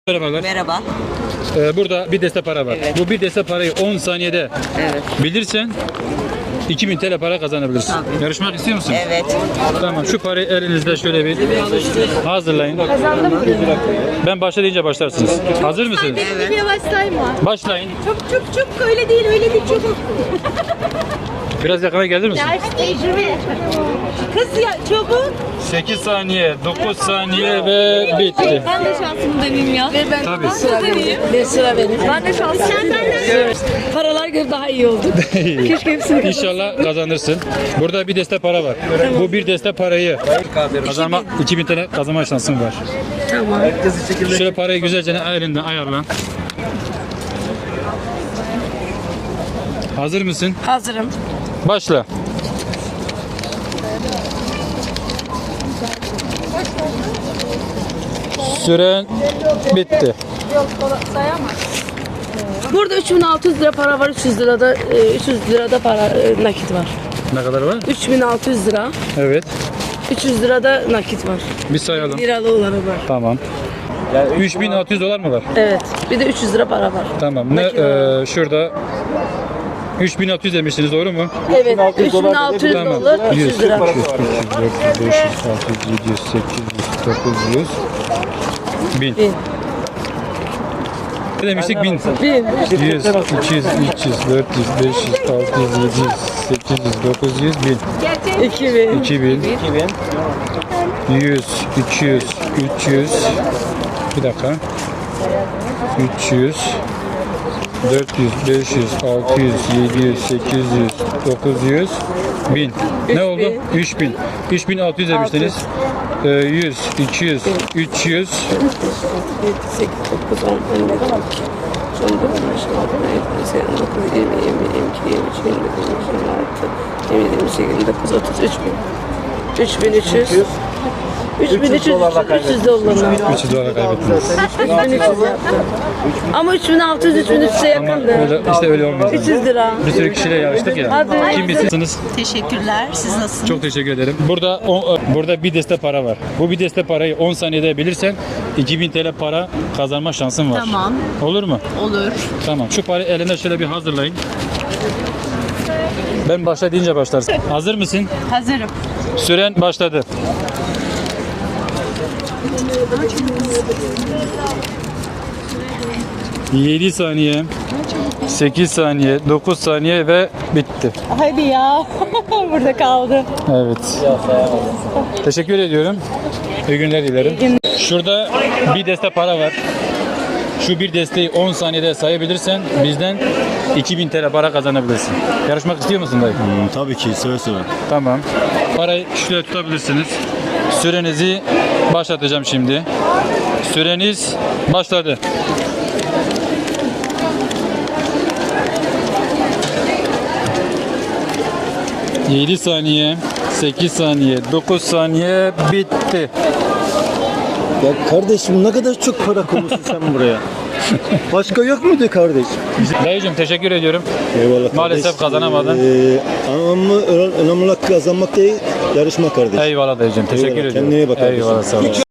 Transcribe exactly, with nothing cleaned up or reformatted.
Merhabalar. Merhaba. Ee, burada bir deste para var. Evet. Bu bir deste parayı on saniyede Evet. bilirsen iki bin T L para kazanabilirsin. Tabii. Yarışmak istiyor musun? Evet. Tamam. Şu parayı elinizde şöyle bir hazırlayın. Ben başla deyince başlarsınız. Hazır mısınız? Evet. Yavaşlayma. Başlayın. Çok çok çok öyle değil öyle değil çok. Biraz yakına gelir misin? Ders tecrübe. Kız ya çabuk. sekiz saniye, dokuz saniye ve bitti. Ben de şansımı deneyeyim ya. Ve ben Tabii. sıra benim. Ne sıra benim. Ben de şansımı Evet. Paralar göre daha iyi oldu. Keşke hepsini İnşallah kazanırsın. Burada bir deste para var. Bu bir deste parayı kazanma iki bin T L kazanma şansın var. Tamam. Şöyle parayı güzelce elinden ayarla. Hazır mısın? Hazırım. Başla. Süren bitti. Burada üç bin altı yüz lira para var. üç yüz lirada e, üç yüz lirada para e, nakit var. Ne kadar var? üç bin altı yüz lira. Evet. üç yüz lirada nakit var. Bir sayalım. Liralı olanı var. Tamam. üç bin altı yüz dolar mı var? Evet. Bir de üç yüz lira para var. Tamam. Ne e, şurada üç bin altı yüz demiştiniz, doğru mu? Evet. üç bin altı yüz Tamam. dolar. üç yüz lira. üç yüz, dört yüz, beş yüz, altı yüz, yedi yüz, sekiz yüz, dokuz yüz, bin. Bin. Ne demiştik? bin. Bin. yüz, iki yüz, üç yüz, dört yüz, beş yüz, altı yüz, yedi yüz, sekiz yüz, dokuz yüz, bin. iki bin. iki bin. yüz, iki yüz, üç yüz. Bir dakika. üç yüz. dört yüz, beş yüz, altı yüz, yedi yüz, sekiz yüz, dokuz yüz, bin. Ne oldu? üç bin. üç bin altı yüz demiştiniz. Ee, yüz, iki yüz, üç yüz, yedi, sekiz, dokuz, on, on bir, on iki, on dört, on beş, on altı, on yedi, on sekiz, on dokuz, yirmi, yirmi bir, yirmi iki, yirmi üç, yirmi dört, yirmi beş, yirmi altı, yirmi yedi, yirmi sekiz, yirmi dokuz, otuz, üç bin. üç bin üç yüz. üç bin üç yüz, üç yüz dolarla. üç yüz dolar kaybettiniz. üç bin üç yüz yaptı. Ama üç bin altı yüz, üç bin üç yüze Ama yakındı. öyle, işte öyle olmuyor. üç yüz lira. Bir sürü kişiyle yarıştık ya. Hadi. Kim bilsiniz? Teşekkürler. Siz nasılsınız? Çok teşekkür ederim. Burada on, burada bir deste para var. Bu bir deste parayı on saniyede bilirsen iki bin T L para kazanma şansın var. Tamam. Olur mu? Olur. Tamam. Şu parayı elinde şöyle bir hazırlayın. Ben başla deyince başlarsın. Hazır mısın? Hazırım. Süren başladı. yedi saniye, sekiz saniye, dokuz saniye ve bitti. Hadi ya. Burada kaldı. Evet. Teşekkür ediyorum. İyi günler dilerim. Şurada bir deste para var. Şu bir desteği on saniyede sayabilirsen bizden iki bin T L para kazanabilirsin. Yarışmak istiyor musun dayı? Hmm, tabii ki seve seve. Tamam. Parayı şöyle tutabilirsiniz. Sürenizi başlatacağım şimdi. Süreniz başladı. yedi saniye, sekiz saniye, dokuz saniye bitti. Ya kardeşim ne kadar çok para koymuşsun sen buraya. Başka yok muydu kardeş? Dayıcığım teşekkür ediyorum. Eyvallah Maalesef kardeş. kazanamadın. Ee, ama önemli olan kazanmak değil, yarışmak kardeş. Eyvallah dayıcığım. Teşekkür Eyvallah, ediyorum. kendine iyi bak kardeşim. Eyvallah, sağ ol.